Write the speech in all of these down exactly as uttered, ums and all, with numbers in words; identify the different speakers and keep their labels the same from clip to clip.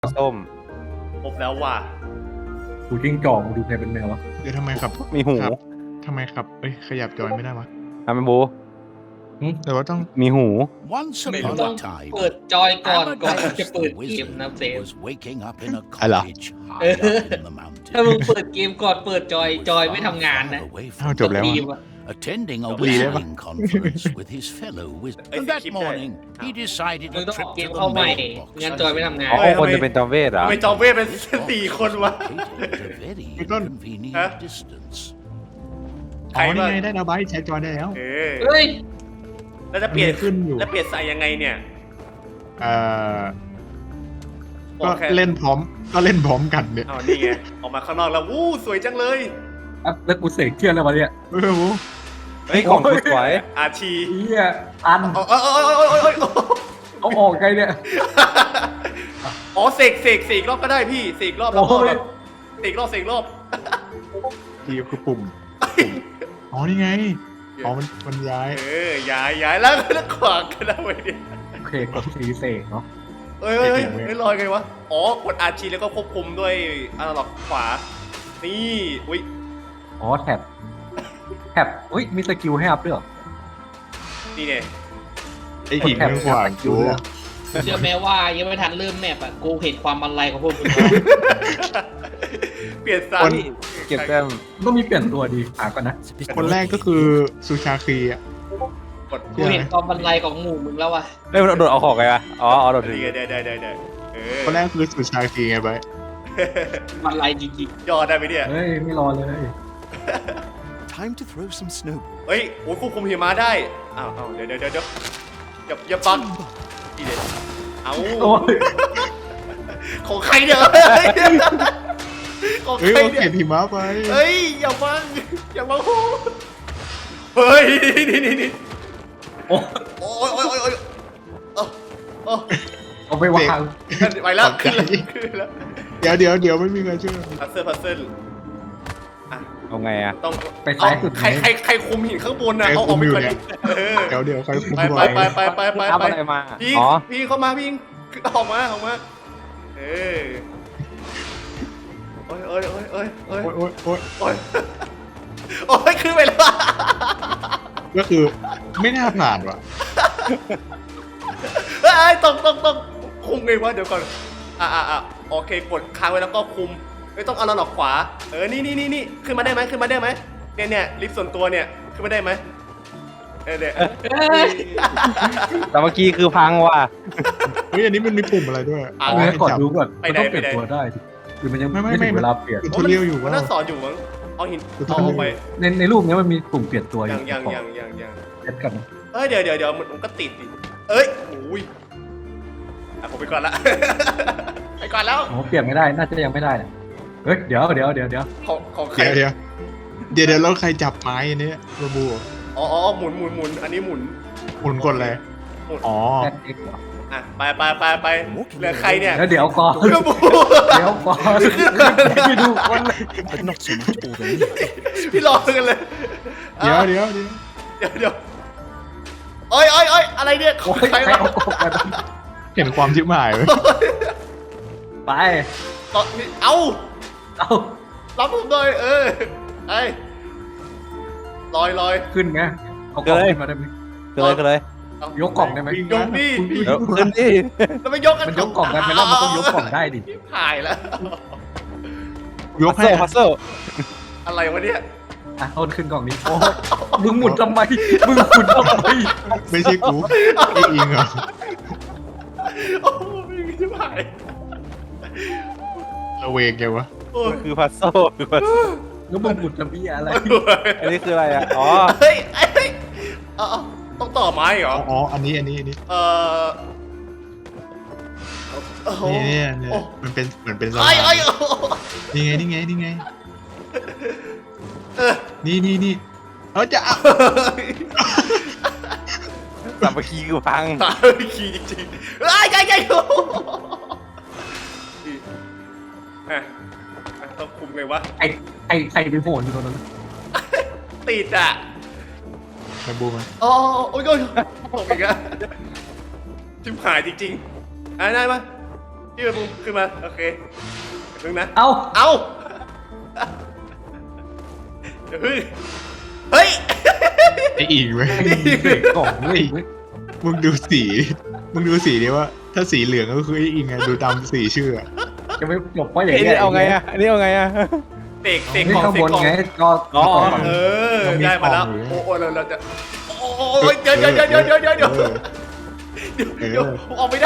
Speaker 1: ส้ม
Speaker 2: ครบแล้วว่ะ
Speaker 3: หูจิ้งจอกมึงดูใครเป็นแมววะ
Speaker 4: เดี๋ยวทำไมขับ
Speaker 1: มีหู
Speaker 4: ขับทำไมขับเอ้ยขยับจอยไม่ได้วะ
Speaker 1: ทำเป็นบู
Speaker 4: แต่ว่าต้อง
Speaker 1: มีหู
Speaker 5: Once
Speaker 6: ไม่
Speaker 5: upon
Speaker 6: ต้อง
Speaker 5: a time,
Speaker 6: เปิดจอยก่อน ก่อน
Speaker 5: Amadeus
Speaker 6: จะเปิด
Speaker 5: the
Speaker 6: เกม
Speaker 5: wizard
Speaker 6: นะเซฟ
Speaker 5: was waking up in a
Speaker 4: Ala.
Speaker 5: cottage high up in the
Speaker 6: ถ้ามึง
Speaker 5: mountains.
Speaker 6: เปิดเกมก่อนเปิดจอย จอยไม่ทำงานนะ
Speaker 5: Away
Speaker 4: อ้าว
Speaker 5: from
Speaker 4: จบแล้ว
Speaker 6: ที
Speaker 4: อะ
Speaker 6: มอะ
Speaker 5: attending a
Speaker 4: Leave it.
Speaker 5: whistling conference with his fellow wizards.
Speaker 2: Hey,
Speaker 5: And that
Speaker 2: skip
Speaker 5: morning,
Speaker 2: that.
Speaker 5: he decided
Speaker 6: มึง
Speaker 5: a
Speaker 6: ต้อง
Speaker 5: trip
Speaker 6: เก
Speaker 5: to
Speaker 6: ม
Speaker 5: the
Speaker 6: เข้าใหม่
Speaker 5: mailbox.
Speaker 6: งานจอยไม่ทำงาน
Speaker 1: อ๋อคนจะเป็นจอมเวทเหรอ
Speaker 2: ทำไมจอมเวทเป็นสี่คนวะ
Speaker 5: Located at a very
Speaker 4: Betul.
Speaker 5: inconvenient
Speaker 2: Hah?
Speaker 5: distance.
Speaker 2: ใคร
Speaker 4: อ๋อนี่
Speaker 2: วะ
Speaker 4: ไงได้แล้วไบใช้จอยได้แล้ว
Speaker 2: เออ
Speaker 6: เฮ้ย
Speaker 2: แล้วจะเปลี่ยน
Speaker 4: มันขึ้นอยู่
Speaker 2: แล้วเปลี่ยนใส่ยังไงเนี่ย
Speaker 4: เอ่อ
Speaker 2: โอ
Speaker 4: ก็
Speaker 2: เค
Speaker 4: เล่นพร้อมก็เล่นพร้อมกันเนี่ย
Speaker 2: อ๋อนี่ไงออกมาข้างนอกแล้ววู้สวยจังเลย
Speaker 3: อ่ะแล้วกูเสกเชื่อแล้ววะเนี่ย
Speaker 4: เออโห
Speaker 1: เฮ้ยของกูสวย
Speaker 2: อาชี
Speaker 3: เฮียอัน
Speaker 2: โอ้ยโอ้ยโอ้ยโอ้ยโอ้ยโอ้ย
Speaker 3: เอาออกไงเนี่ย
Speaker 2: อ๋อเสกเสกเสกรอบก็ได้พี่เสกรอบแล้วก็
Speaker 3: โอ้ย
Speaker 2: แบบเสกรอบเสกรอบ
Speaker 4: ทีคือปุ่มปุ่มอ๋อนี่ไงอ๋อมันมันย้าย
Speaker 2: เออย้ายย้ายแล้วแล้วขวางกันได้ไหมเนี่ย
Speaker 3: โอเคกดสีเสกเนาะ
Speaker 2: เฮ้ยเฮ้ยเฮ้ยเฮ้ยลอยไงวะอ๋อกดอาชีแล้วก็ควบคุมด้วยอนาล็อกขวานี่อุ้ย
Speaker 3: อ๋อแท็บแท็บอุ้ยมีสกิลให้อัพด้วยเหรอ
Speaker 2: นี่ไง
Speaker 4: ไอหินข้างขวางกู
Speaker 6: เชื่อไหมว่ายังไม่ทันเริ่มแมปอะกูเห็นความมันไรของพวกมึงแล้ว
Speaker 2: เปลี่ยนซ้าย
Speaker 1: เก็บแต้ม
Speaker 3: ต้องมีเปลี่ยนตัวดีหาก่อนนะ
Speaker 4: คนแรกก็คือซูชาคีอ่ะ
Speaker 2: กด
Speaker 6: กูเห็นความมันไรของหมู่มึงแล้วอะ
Speaker 1: เฮ้ยมันโดดเอาของไงวะอ๋อเอาโดดถึง
Speaker 2: นี่ไงได้ได้ได้ได้เออ
Speaker 4: คนแรกคือซูชาคีไงไบ
Speaker 6: มันไรจริง
Speaker 2: ย่อได้ไหมเนี่ย
Speaker 3: เฮ้ยไม่รอเลย
Speaker 5: Time to throw some snowballs.
Speaker 2: เฮ้ยโอ้ยควบคุมหิมะได้อ้าวอ้าวเดี๋ยวเดี๋ยวเดี๋ยวเดี๋ยวอย่าอย่าบังนี่เด็ดเอา
Speaker 3: โอ้ย
Speaker 2: ของใครเนี่ยของ
Speaker 4: เฮ้ย
Speaker 2: ใคร
Speaker 4: เอา
Speaker 2: เนี่
Speaker 4: เก็
Speaker 2: ย
Speaker 4: บหิมะไป
Speaker 2: เฮ้ยอย่าบังอย่าบังเฮ้ยนี่นี่นี่
Speaker 3: โอ้
Speaker 2: โอ้ยโอ้ยโอ้ยโอ้ยโอ้โอ้
Speaker 3: เอาไปวาง
Speaker 2: ไปแล้วขึ้นแล้วขึ้นแล้ว
Speaker 4: เดี๋ยวเดี๋ยวเดี๋ยวไม่มีใครช่วย
Speaker 2: พัซเซิลพัซเซิลอ่ะ
Speaker 1: เอาไงอะ
Speaker 2: ต้อง
Speaker 3: ไปซ้ายสุด
Speaker 2: ใครใครใครคุมหินข้างบนนะเอาออกไปก่อนดิเออ
Speaker 4: เดี๋ยวเดี๋ยวใครคุม
Speaker 2: ไป
Speaker 4: บ
Speaker 2: ไป
Speaker 4: อย
Speaker 2: ไปไปไปไป
Speaker 1: อัพ
Speaker 2: ไป
Speaker 1: อะไรมา
Speaker 2: พี่
Speaker 1: อ๋อ
Speaker 2: พี่เข้ามาพี่ออกมาออกมาเออโอ้ยโอ้ยโอ้ยโอ้ยโอ้ย
Speaker 4: โอ๊ยโอ๊ยโอ๊ย
Speaker 2: โอ้ยโอ้ยขึ้นไปแล้ว
Speaker 4: ก็คือไม่น่าผ่านว่ะ
Speaker 2: เอ้ยตกตกตกคุมไงวะเดี๋ยวก่อนอ่ะอ่ะอ่ะโอเคกดค้างไว้แล้วก็คุมไม่ต้องเอาเราหลอกขวาเออนี่นี่นี่นี่ขึ้นมาได้ไหมขึ้นมาได้ไหมเนี่ยเนี่ยลิฟต์ส่วนตัวเนี่ยขึ้นมาได้ไหมเออเนี่ย
Speaker 6: ๆเอ้ย
Speaker 1: แต่เมื่อกี้คือพังว่ะ
Speaker 4: เฮ้ยอันนี้มันมีปุ่มอะไรด้วย
Speaker 2: อ่ะ
Speaker 3: เอาไว้ก่อนดูก่อน
Speaker 2: ไป
Speaker 3: มัน
Speaker 2: ไหน
Speaker 3: ต้องเปลี่ยน
Speaker 2: ไปไหน
Speaker 3: ตัวได้ดิหรือมันยัง
Speaker 4: ไม่
Speaker 3: ไม่
Speaker 4: ไม่
Speaker 3: ถึง
Speaker 4: ไม่
Speaker 3: เวลาเปลี่ยน
Speaker 4: ทูทอเรียลอยู่
Speaker 2: มัน
Speaker 4: ว่า
Speaker 2: น่าสอนอยู่มั้งเอาหิน
Speaker 4: คือต้
Speaker 2: เอา
Speaker 4: อง
Speaker 2: ออกไป
Speaker 3: ในในรูปเนี้ยมันมีปุ่มเปลี่ยนตัวอ
Speaker 2: ยั
Speaker 3: ยู่
Speaker 2: งยัง
Speaker 3: ขอ
Speaker 2: ยังยังยัง
Speaker 3: เซ็ตกันนะ
Speaker 2: เอ้ยเดี๋ยวเดี๋ยวเดี๋ยวมันก็ติดดิเอ้ยอุ้ยอ่ะผมไปก่อนละ ไปก่อนแล้ว
Speaker 3: โอ้เปลี่ยนไม่ได้น่าจะยังไม่ได้นะเฮ้ยเดี๋ยวเดี๋ยวเดี๋ยวเดี๋ยว
Speaker 2: ของของใคร
Speaker 4: เดี๋ยวเดี๋ยวเดี๋ยวเดี๋ยวแล้วใครจับไม้อันนี้ระบู
Speaker 2: อ๋ออ๋อหมุนหมุนหมุนอันนี้หมุน
Speaker 4: หมุนกดอะไรอ๋อ
Speaker 3: แอดเอ็กซ์เหรอ
Speaker 2: อ่ะไปไปไปไปเหลือใครเนี่ย
Speaker 3: แล้วเดี๋ยวก่อน
Speaker 2: กระบู
Speaker 3: เดี๋ยวก่อนไปดูคนเลย
Speaker 5: But not so much all the need.
Speaker 2: พี่รอกันเลย
Speaker 4: เดี๋ยวเดี๋ยวเดี๋ยว
Speaker 2: เดี๋ยวเดี๋ยวเอ้ยเอ้ยเอ้ยอะไรเนี่ยขอ
Speaker 3: โอ้
Speaker 2: ง
Speaker 3: ย
Speaker 2: ใคร
Speaker 3: ใคร
Speaker 2: วะ
Speaker 3: เอากบมา
Speaker 4: เห็นความชิบหายไหม
Speaker 3: ไป
Speaker 2: ต่อเอา
Speaker 3: เอา
Speaker 2: รับผมหน่อยเออไอ้ลอยลอย
Speaker 3: ขึ้นไงเอากล่องขึ้นมาได้ไหม
Speaker 1: ก็เลยก็เลย
Speaker 2: เอา
Speaker 3: ยกกล่องได้ไหม
Speaker 2: ยกดิพี่
Speaker 1: เดี๋ยวขึ้นดิ
Speaker 2: แล้วไม่ยกกัน
Speaker 3: มันยกกล่องได้ไหมแล้วมันต้องยกกล่องได้ดิ
Speaker 2: หายแล้ว
Speaker 4: ยก
Speaker 1: พัซ
Speaker 4: ให้
Speaker 1: เซิลพัซเซิล
Speaker 2: อะไรวะเนี่ย
Speaker 3: อ่ะต้นขึ้นกล่องนี้โอ้ยมึงหมุนทำไมมึงหมุนทำไม
Speaker 4: ไม่ใช่กูไออิงเหรอ
Speaker 2: โอ้ยไม่หาย
Speaker 4: ระเวงไงวะ
Speaker 2: โอ้ย
Speaker 1: คือพัซเซิลคือพัซเซิล
Speaker 3: แล้วมึงหมุนทำเบี้ยอะไร
Speaker 1: อันนี้คืออะไรอะอ๋อ
Speaker 2: เฮ้ยเฮ้ยเอาเอาต้องต่อไม้เหร
Speaker 4: อ๋
Speaker 2: อ
Speaker 4: ออ๋ออันนี้อันนี้อันนี้
Speaker 2: เออโอ้โห
Speaker 4: นี่เนี่ยเนี่ย
Speaker 2: โอ้
Speaker 4: มันเป็นเหมือนเป็นส
Speaker 2: ไอ้
Speaker 4: ลา
Speaker 2: ไอ้
Speaker 4: ม
Speaker 2: โอ้โห
Speaker 4: นี่ไงนี่ไงนี่ไง
Speaker 2: เออ
Speaker 4: นี่นี่นี่เออจะเอา
Speaker 1: สามัคคีคือพัง
Speaker 2: ตายขี่จริงๆไอ้ไอ้ไอ้โอ้โหอ่ะอ่ะต้องคุมไงวะ
Speaker 3: ไอ้ไอ้ใครไปโผล่อยู่ตรงนั้น
Speaker 2: ติดอ่ะ
Speaker 4: ไปบูมัน
Speaker 2: อ๋อโอ้ยโอ้ยตกอีกแล้วชิบหายจริงๆอ่ะได้ปะพี่เป็นมุมขึ้นมาโอเคเดี๋ยวพึ่งนะ
Speaker 3: เอ้า
Speaker 2: เอาเดี๋ยวพึ่งเฮ้ย
Speaker 4: ไอ้อิงเว้ย
Speaker 3: เด็กกล่องเลย
Speaker 4: มึงดูสีมึงดูสีดิว่า ถ้าสีเหลืองก็คือไอ้อิงไงดูตามสีชื่ออะ
Speaker 3: จะไม่จบเพราะอย่าง
Speaker 1: ไอ้
Speaker 3: เงี้
Speaker 1: นี่
Speaker 3: ย
Speaker 1: เอาไงอ่ะอันนี้เอาไงอ่ะ
Speaker 2: เตกเตก
Speaker 3: นี่
Speaker 2: กล่อง
Speaker 3: ข้าง
Speaker 2: เต
Speaker 3: บ
Speaker 2: ก
Speaker 3: น
Speaker 2: กล่อง
Speaker 3: ไงก็
Speaker 1: อ๋อ
Speaker 2: เออได้มาแล้วโอ้โหเราเราจะโอ้ยเดี๋ยวเดี๋ยวเดี๋ยวเดี๋ยวเดี๋ยวเดี๋ยวเดี๋ยว
Speaker 4: เออ
Speaker 2: เดี๋ยวเดี๋ยวออกไม่ได้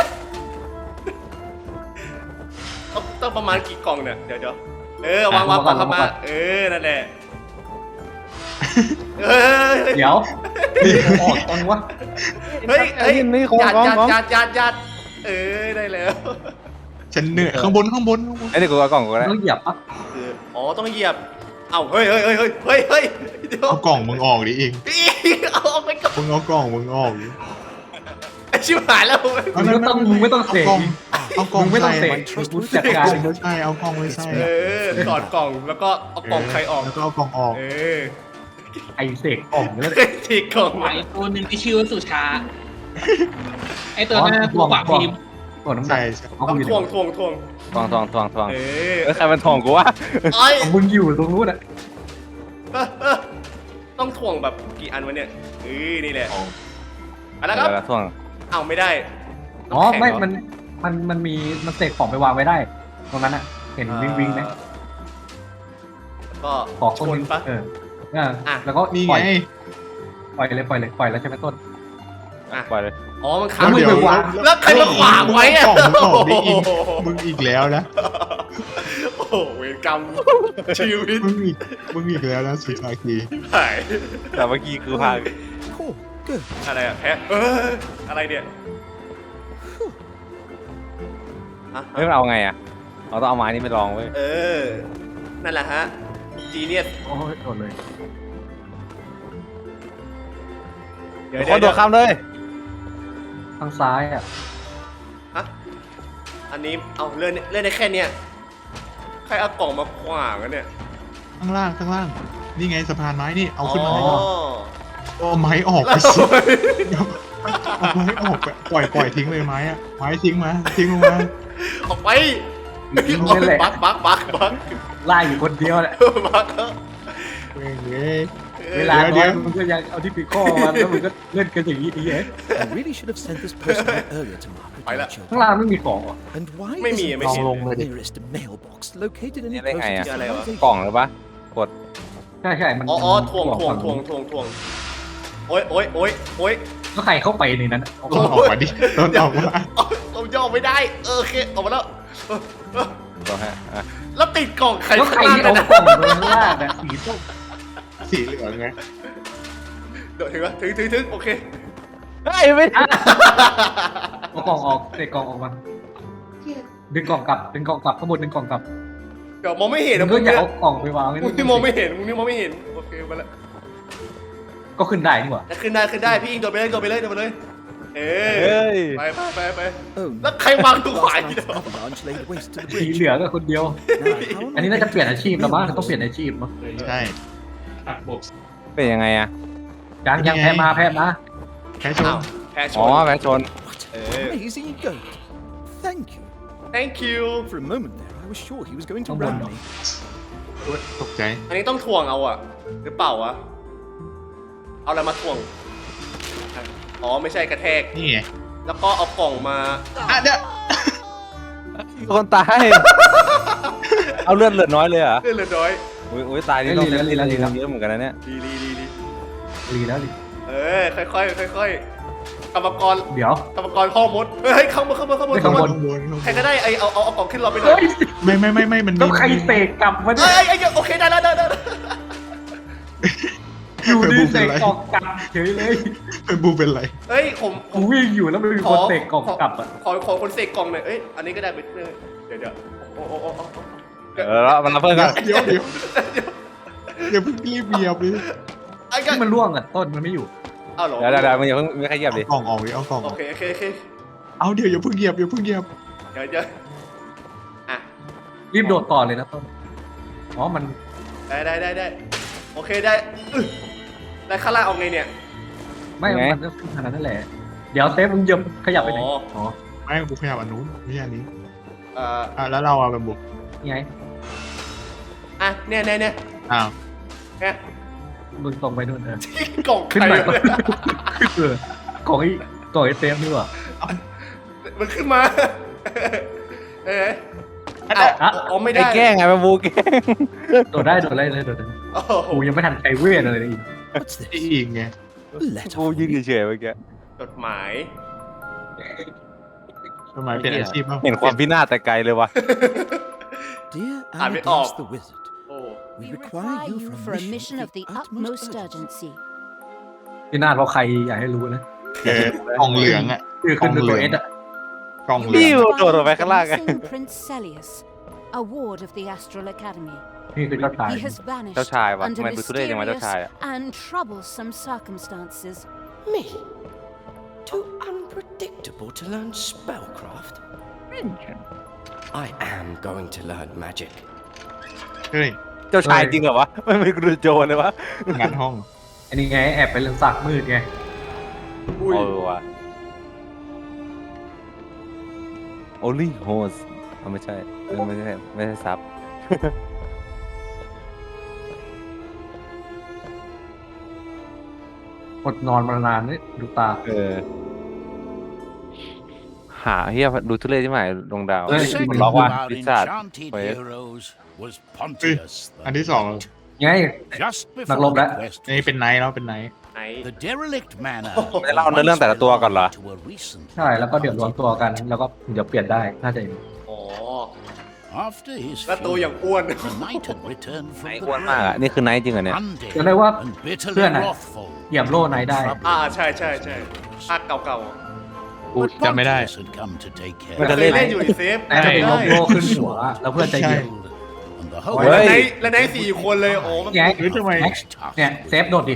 Speaker 2: ต้องต้องประมาณกี่กล่องเนี่ยเดี๋ยวเดี๋ยวเออวางวางกล่องเข้ามาเออนั่นแหละเออ
Speaker 3: เดี๋ยวออกตอนวะ
Speaker 2: เฮ้ยเฮ้ย
Speaker 1: นี่ของ
Speaker 2: ยัด
Speaker 1: ของ
Speaker 2: ยัด
Speaker 1: ของ
Speaker 2: ยัดยัดยัดเออได้แล้ว
Speaker 4: ฉันเหนื่อยข้างบนข้างบนข้างบน
Speaker 1: ไอ้นี่กูเอากล่องกูแล้ว
Speaker 3: ต้องเหยียบปะ
Speaker 2: คืออ๋อต้องเหยียบเอ้าเฮ้ยเฮ้ยเฮ้ยเฮ้ยเฮ้ยเฮ้ยเดี๋ยว
Speaker 4: เอากล่องมึงออกดิอิง
Speaker 2: เอาออกไปก่อน
Speaker 4: มึงเอากล่องมึงออกดิ
Speaker 2: ไอ้ชิบหายแล้ว
Speaker 3: มึงไม่ต้องมึงไม่ต้องเสก
Speaker 4: เอากล่อง
Speaker 3: มึงไม่ต้องเส
Speaker 4: ใส่
Speaker 3: กกูจัดการ
Speaker 4: เอาใช่เอากล่องไว้ใส่
Speaker 2: เออถอดกล่องแล้วก็เอากล่องใครออก
Speaker 4: แล้วก็เอากล่องออก
Speaker 2: เออ
Speaker 3: ไอเสกกล่องเนี่ย
Speaker 2: ทีกล่อง
Speaker 6: ไอตัวหนึ่งที่ชื่อว่าสุชา ไอตัวนั้นตัวปากพิมพ์
Speaker 3: ตัวน้ำหนั
Speaker 4: ใช่
Speaker 3: ก
Speaker 4: ใช่
Speaker 3: เอา
Speaker 2: ต้อง
Speaker 3: อยู่
Speaker 2: ทวงทวงทวง
Speaker 1: ทองทองทองทอง
Speaker 2: เออ
Speaker 1: เออใครมันทองกูวะ
Speaker 2: ไอ้
Speaker 3: มึงอยู่ตรงนู้นอ่ะ
Speaker 2: เออเออต้องทวงแบบกี่อันวะเนี่ยเออนี่แหละไปแล้วครับ
Speaker 1: เออทอง
Speaker 2: เอาไม่ได้
Speaker 3: อ๋อ
Speaker 2: น้ำแข็ง
Speaker 3: ไม่
Speaker 2: เหร
Speaker 3: มันมันมันมีมันเสกของไปวางไว้ได้ ตรงนั้นอ่ะเห็นวิ่งวิ่งไหม
Speaker 2: ก็
Speaker 3: ขอ
Speaker 2: ช
Speaker 3: คน
Speaker 2: นปะ
Speaker 3: เออเออ
Speaker 2: อ่ะ
Speaker 3: แล้วก็
Speaker 4: นี่
Speaker 3: ปล่
Speaker 4: ไง
Speaker 3: อยปล่อยเลยปล่อยเลยปล่อยแล้วใช่ไหมต้น
Speaker 2: อ่ะ
Speaker 1: ปล่อยเลย
Speaker 2: อ๋อมัน
Speaker 3: แล้
Speaker 2: ค้าง
Speaker 3: วมึง
Speaker 2: อยู่
Speaker 3: ไปวาง
Speaker 2: แล้วใครมาขวางไว้อะ
Speaker 4: กล่องมึงออกดิอิงมึงอีกแล้วนะ
Speaker 2: โอ้โหเวรกรรมชีวิต
Speaker 4: มึงอีกมึงอีกแล้วนะสุชาคี
Speaker 2: หาย
Speaker 1: แต่เมื่อกี้คือพา
Speaker 5: Oh, good.
Speaker 2: อะไรอะแพ้เอออะไรเนี่ยฮะ
Speaker 1: เฮ้ยมันเอาไงอ่ะเราต้องเอาไม้นี่ไปลองเว้ย
Speaker 2: เออ นั่นแหละฮะ จีเนียส
Speaker 3: โอ้ยโดนเลย
Speaker 2: เดี๋ยว
Speaker 1: คน
Speaker 2: เดี๋
Speaker 1: โด
Speaker 2: ยว
Speaker 1: ดข้ามเลย
Speaker 3: ทางซ้ายอ่ะ
Speaker 2: ฮะอันนี้ เอาเลื่อนเลื่อนได้แค่เนี้ยใครเอากล่องมาขวางกันเนี่ย
Speaker 4: ข้างล่างข้างล่าง นี่ไงสะพานไม้นี่เอาขึ้นมา
Speaker 2: อ๋
Speaker 4: ให้
Speaker 2: อ
Speaker 4: เอาไม้ออกไป
Speaker 2: แล้ว
Speaker 4: สิเอาไม้ออกไปปล่อยปล่อยทิ้งเลยไม้อะไม้ทิ้งมาทิ้งลงมา
Speaker 2: ออกไป
Speaker 3: มึงนั่นแหละ
Speaker 2: บักบักบักบัก
Speaker 3: ไล่อยู่คนเดียวแหละ
Speaker 2: บัก
Speaker 4: เว้ยเว้ย
Speaker 3: เวลา
Speaker 4: เดี๋
Speaker 3: น้
Speaker 4: ย
Speaker 3: อ
Speaker 4: วย
Speaker 3: มึงก็ยังเอาที่ปีข้อมาแล้วมึงก็เล่นกันอย่างนี้ดีเอ้
Speaker 5: I really should have sent this person out earlier to Margaret,
Speaker 2: Phải là-
Speaker 5: don't you?
Speaker 3: ข้างล่างไม่มีของเหรอ
Speaker 5: And why
Speaker 2: Mấy mì
Speaker 5: isn't
Speaker 2: mấy
Speaker 5: the
Speaker 2: xịn.
Speaker 4: Lông lên đi.
Speaker 5: nearest mailbox located any
Speaker 1: Nghe đây
Speaker 5: closer
Speaker 1: ngày
Speaker 5: to
Speaker 1: à?
Speaker 2: Dạ này hả?
Speaker 5: civilization?
Speaker 1: กล่องหรือปะกด
Speaker 3: ใช่ใช่มัน
Speaker 2: อ๋ออ๋อทวง
Speaker 3: มัน
Speaker 2: ทวงทวงทวงทวงโอ๊ยโอ๊ยโอ๊ยโอ๊ย
Speaker 3: ก็ใครเข้าไปในนั้นอะ
Speaker 4: ต้นออกมาดิต้นออกมา
Speaker 2: เอาย่อไม่ได้ เออโอเคออกมาแล้วเออเออ
Speaker 1: ลองฮะอ่ะ
Speaker 2: แล้วติดกล่องใคร
Speaker 3: แล้วใคร
Speaker 2: ข้างล่าง
Speaker 3: ที่
Speaker 2: กัน
Speaker 3: เอา
Speaker 2: นะ
Speaker 3: กล่องลงล่างอะสีส้ม
Speaker 4: สีเหลืองไง
Speaker 2: เดี๋ยวถึงแล้วถึงถึงถึงโอเค
Speaker 1: เฮ้ยไม่ได้
Speaker 3: เอากล่องออกเตะกล่องออกมาดึงกล่องกลับดึงกล่องกลับข้างบนดึงกล่องกลับ
Speaker 2: เดี๋ยวมองไม่เห็น
Speaker 3: มึ
Speaker 2: นะ
Speaker 3: ง
Speaker 2: มึ
Speaker 3: ก็
Speaker 2: ง
Speaker 3: อย่า
Speaker 2: เนี่ย
Speaker 3: เอากล่องไปวางไว้
Speaker 2: มึงนี่มองไม่เห็นมึงนี่มองไม่เห็นโอเคมาแล้ว
Speaker 3: ก็ขึ้นได้นี่หว่า
Speaker 2: แต่ขึ้นได้ขึ้นได้พี่อิงโดดไปเลยโดดไปเลยโดดไปเลยเอ
Speaker 1: เฮ้
Speaker 2: อย ไปไปไปไป
Speaker 5: Oh,
Speaker 2: แล้วใครวางตัวขวา
Speaker 5: last
Speaker 2: อีก
Speaker 5: night's
Speaker 2: เดี๋ยว
Speaker 5: avalanche laid waste to the
Speaker 3: สี
Speaker 5: bridge.
Speaker 3: เหลืองก็คนเดียว
Speaker 5: Now, how am
Speaker 3: อัน
Speaker 5: I
Speaker 3: นี้น่าจะ
Speaker 5: going
Speaker 3: เปลี่ยน
Speaker 5: to
Speaker 3: อาชีพแล้วมั้งต้องเปลี่ยนอาชีพมั้ง
Speaker 4: ใช่
Speaker 1: เป็นยังไงอ่ะ
Speaker 3: ยังยังแพ้มาแพ้มา
Speaker 4: แค่ชน
Speaker 2: อ้าวแพ้ช
Speaker 1: อ๋อน แพ้ชน
Speaker 5: What
Speaker 2: Eh.
Speaker 5: an amazing goat. Thank you.
Speaker 2: thank you
Speaker 5: For a moment there, I was sure he was going to
Speaker 3: Oh,
Speaker 5: ram
Speaker 3: wow.
Speaker 5: me.
Speaker 4: ตกใจ
Speaker 2: อันนี้ต้องทวงเอาอะหรือเปล่าวะเอาอะไรมาทวงอ๋อไม่ใช่กระแทก
Speaker 4: นี่ไง
Speaker 2: แล้วก็เอากล่องมา
Speaker 4: อ่ะเนี่ย
Speaker 1: คนตาย เอาเลือดเหลือน้อยเลยเหรอ
Speaker 2: เลื่อนเลือดน้อย
Speaker 1: อุ้ยอุ้ยตายนี่ต้องเล่นเล่นเยอะเหมือนกันนะเนี่ย
Speaker 2: ดีดีดีดี
Speaker 3: รีแล้วดิ
Speaker 2: เออค่อยค่อยค่อยๆกรรมกร
Speaker 3: เดี๋ยว
Speaker 2: กรรมกรพ่อมดเฮ้ยเข้ามาเข้ามาเข้ามา
Speaker 3: ไม่
Speaker 2: เข้า
Speaker 3: ข้าง
Speaker 2: มา
Speaker 3: บน
Speaker 4: ข้างบนข้างบน
Speaker 2: ใครก็ได้ไอเอาเอาเอากล่องขึ้นเราไปหน่อ
Speaker 3: เฮ้
Speaker 2: ย
Speaker 3: ย
Speaker 4: ไม่ไม่ไม่ไม่มันมี
Speaker 3: แล้วใครเตะกลับมาเนี่
Speaker 2: เอ้
Speaker 3: ย
Speaker 2: ยเอ้ยเอ้ยโอเคได้แล้วได้แล้วได้แล้ว
Speaker 3: อยู่ดีเตะกล่องกลับเฉยเลย
Speaker 4: เป็นบูเป็นไร
Speaker 2: เฮ้ยผมผ
Speaker 3: กู
Speaker 2: ม
Speaker 3: วิ่งอยู่แล้วมันมีคนเตะกล่องกลับอ่ะ
Speaker 2: ขอขอคนเสกกล่องหน่อยเอ้ยอันนี้ก็ได้ไปเดี๋ยวเดี๋ยวโอ้โอ้โอ้โอ้โอ้
Speaker 1: เออแล้วมันรับเพิ่มกัน
Speaker 4: เดี๋ยวเดี๋ยวอย่าเพิ่งรีบเหยียบเลย
Speaker 2: ไอ้กั
Speaker 3: ที่มันล่วงอ่ะต้นมันไม่อยู่
Speaker 2: เอาเหรอ
Speaker 1: เดี๋ยวเดี๋ยวเดี๋ยวมันอย่าเพิ่งไม่ใครเหยียบดิ
Speaker 4: เอากล่องออกดิเอากล่องอ
Speaker 2: โอ
Speaker 4: อก
Speaker 2: เคโอเคโอเค
Speaker 4: เอาเดี๋ยวอย่าเพิ่งเหยียบอย่าเพิ่งเหยียบ
Speaker 2: เดี๋ยวเดี๋ยวอ่ะ
Speaker 3: รีบโดดต่อเลยนะต้นอ๋อมัน
Speaker 2: ได้ได้ได้ได้โอเคได้อึ๊ะได้ข้างล่างเอาไงเนี่ย
Speaker 3: ไม่มันก็ขึ้นขนาดนั้นแหละเดี๋ยวเซฟมึงเหยียบขยับไปไหน
Speaker 2: อ๋อ
Speaker 3: อ๋อ
Speaker 4: ไม่กูขยับอันนู้นไม่ใช่อันนี้
Speaker 2: เอ่อ
Speaker 4: อ่ะแล้วเราเอาไปบุก
Speaker 3: นี่ไง
Speaker 2: อ่ะเนี่ยเนี่ยเนี่ย
Speaker 4: อ้าว
Speaker 2: เนี่ย
Speaker 3: มึงตรงไปนู่นเออก
Speaker 2: ล่อง
Speaker 3: ขึ้น
Speaker 2: ไข่
Speaker 3: ไป
Speaker 2: เลย
Speaker 3: เออของไอ้กล่องไอ้เต็มนี่หว่า
Speaker 2: มันขึ้นมาเออ
Speaker 4: อ่ะ
Speaker 2: อ่ะอ๋อไม่
Speaker 1: ไอ้
Speaker 2: ได้
Speaker 1: แกล้งไงมาบูแกล้ง
Speaker 3: โดดได้โดดได้เลยโดดได้
Speaker 2: โอ้โห
Speaker 3: กูยังไม่ทันใช้เวทอะไรเลยอีก
Speaker 5: What's
Speaker 4: อี
Speaker 5: this?
Speaker 4: อีกไง
Speaker 5: A letter
Speaker 1: บู
Speaker 5: from
Speaker 1: ยืน
Speaker 5: me.
Speaker 1: เฉยๆเมื่อกี้
Speaker 2: จดหมาย
Speaker 4: ทำไมเป็นอาชีพบ้าง
Speaker 1: เห็นความพินาศแต่ไกลเลยวะ
Speaker 5: Dear
Speaker 2: Ah, mais- oh.
Speaker 5: Amadeus the wizard,
Speaker 2: โอ้
Speaker 5: we
Speaker 7: We
Speaker 5: require
Speaker 7: require
Speaker 5: you
Speaker 7: you
Speaker 5: for
Speaker 7: for
Speaker 5: a
Speaker 7: a
Speaker 5: mission of the utmost urgency.
Speaker 7: urgency.
Speaker 3: พี่นาดเพราะใครอยากให้รู้นะ
Speaker 4: เออกล่องเหลืองอ่ะ
Speaker 3: ชื่อขึ้นด้วยตัวเอสอะ
Speaker 4: กล่องเหลื
Speaker 1: นี่
Speaker 4: อง
Speaker 1: โดดลงไปข้างล่างไง
Speaker 7: Missing Prince Celius, a ward of the Astral Academy.
Speaker 3: นี่คือเจ้าชาย
Speaker 7: He has vanished
Speaker 1: เจ้าชายวะ
Speaker 7: under
Speaker 1: ทำไมดูทุเรศจังวะเจ้า
Speaker 7: mysterious
Speaker 1: ชายอะ
Speaker 7: and troublesome circumstances.
Speaker 8: Me? Too unpredictable to learn spellcraft? I am going to learn magic.
Speaker 4: เฮ้ย
Speaker 1: เจ้าชายจริงเหรอวะไม่ไม่กูดูโจรเลยวะ
Speaker 4: งัดห้อง
Speaker 3: อันนี้ไงแอบไปเรื่องสักมืดไง
Speaker 2: อุ้ย
Speaker 1: เออว่ะ only host เอาไม่ใช่เออไม่ใช่ไม่ใช่ซับ
Speaker 3: อดนอนมานานนี่ดูตา
Speaker 1: เออหาเฮียดูทุเรศใช่ไหมดวงดาว
Speaker 3: เฮ้ย
Speaker 1: มันล็อกว่า
Speaker 5: our
Speaker 1: พิซซ่า
Speaker 5: enchanted
Speaker 1: เฮ้ย
Speaker 5: heroes was
Speaker 4: เฮ้ย
Speaker 5: Pontius
Speaker 4: อัน
Speaker 5: the
Speaker 4: ที่สอง
Speaker 5: Great.
Speaker 3: ไง
Speaker 5: Just
Speaker 3: Nag loob
Speaker 5: before the
Speaker 3: na.
Speaker 5: quest
Speaker 4: นี่เป็นไนท์แล้วเป็นไนท์
Speaker 2: ไหน
Speaker 5: the derelict manor
Speaker 1: ไม่ได้เล่าเรื่องแต่ละตัวก่อนเหรอ
Speaker 5: to a recent
Speaker 3: ใช่แล้วก็เดี๋ยวรวมตัวกัน แล้วก็เดี๋ยวเปลี่ยนได้น่าจะ
Speaker 2: อ๋อ
Speaker 5: after his
Speaker 2: แล้วตัวอย่างอ้วน
Speaker 5: the knight had returned
Speaker 1: ไอ้
Speaker 5: from
Speaker 1: อ้วน
Speaker 5: the
Speaker 1: มากอ่ะ นี่คือไนท์จริงเหรอเนี่ย
Speaker 5: undead
Speaker 3: จะได้ว่า
Speaker 5: and bitterly
Speaker 3: เพื่อนอะ
Speaker 5: wrathful.
Speaker 3: เหยียบโล่ไหนได้
Speaker 2: อ่าใช่ใช่ใช่ภาคเก่า
Speaker 4: กู
Speaker 5: But
Speaker 4: จำไม่ได้
Speaker 5: Pontius had come to take care
Speaker 2: ๆ
Speaker 1: มัน
Speaker 2: เค
Speaker 1: จะ
Speaker 2: ย
Speaker 1: เล่น
Speaker 2: เล่นอยู่อีเซฟ
Speaker 3: แต่จะเป็นยกโล่ขึ้นหัว แล้วเพื่อนจะเหยียบ
Speaker 5: and the
Speaker 1: เฮ้
Speaker 5: whole
Speaker 1: ย
Speaker 2: แล้วไหนแล้วไหนสี่คนเลยโอ้มัน
Speaker 3: ไง
Speaker 4: เฮ้ยทำไม
Speaker 5: was tough.
Speaker 3: เนี่ยเซฟโดดดิ